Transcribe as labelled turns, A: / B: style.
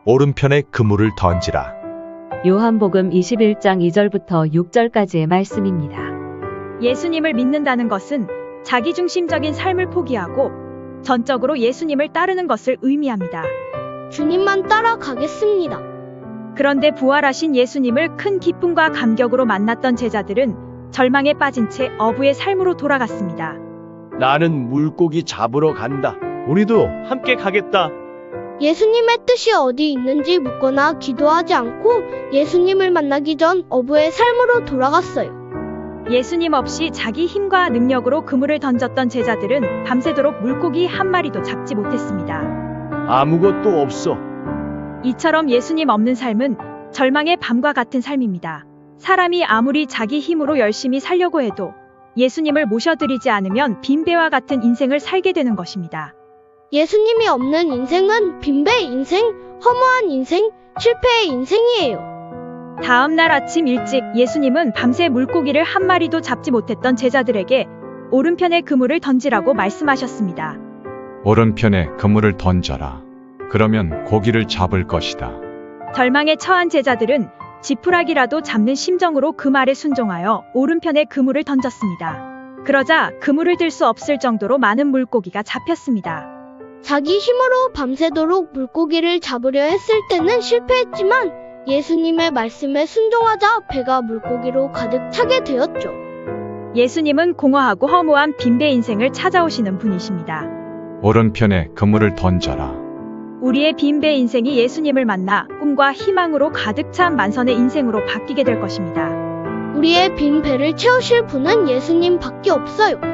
A: 오른편에 그물을 던지라.
B: 요한복음 21장 2절부터 6절까지의 말씀입니다.
C: 예수님을 믿는다는 것은 자기중심적인 삶을 포기하고 전적으로 예수님을 따르는 것을 의미합니다.
D: 주님만 따라가겠습니다.
C: 그런데 부활하신 예수님을 큰 기쁨과 감격으로 만났던 제자들은 절망에 빠진 채 어부의 삶으로 돌아갔습니다.
E: 나는 물고기 잡으러 간다.
F: 우리도 함께 가겠다.
D: 예수님의 뜻이 어디 있는지 묻거나 기도하지 않고 예수님을 만나기 전 어부의 삶으로 돌아갔어요.
C: 예수님 없이 자기 힘과 능력으로 그물을 던졌던 제자들은 밤새도록 물고기 한 마리도 잡지 못했습니다.
E: 아무것도 없어.
C: 이처럼 예수님 없는 삶은 절망의 밤과 같은 삶입니다. 사람이 아무리 자기 힘으로 열심히 살려고 해도 예수님을 모셔드리지 않으면 빈배와 같은 인생을 살게 되는 것입니다.
D: 예수님이 없는 인생은 빈배 인생, 허무한 인생, 실패의 인생이에요.
C: 다음 날 아침 일찍 예수님은 밤새 물고기를 한 마리도 잡지 못했던 제자들에게 오른편에 그물을 던지라고 말씀하셨습니다.
G: 오른편에 그물을 던져라. 그러면 고기를 잡을 것이다.
C: 절망에 처한 제자들은 지푸라기라도 잡는 심정으로 그 말에 순종하여 오른편에 그물을 던졌습니다. 그러자 그물을 들 수 없을 정도로 많은 물고기가 잡혔습니다.
D: 자기 힘으로 밤새도록 물고기를 잡으려 했을 때는 실패했지만 예수님의 말씀에 순종하자 배가 물고기로 가득 차게 되었죠.
C: 예수님은 공허하고 허무한 빈배 인생을 찾아오시는 분이십니다.
G: 오른편에 그물을 던져라.
C: 우리의 빈배 인생이 예수님을 만나 꿈과 희망으로 가득 찬 만선의 인생으로 바뀌게 될 것입니다.
D: 우리의 빈 배를 채우실 분은 예수님 밖에 없어요.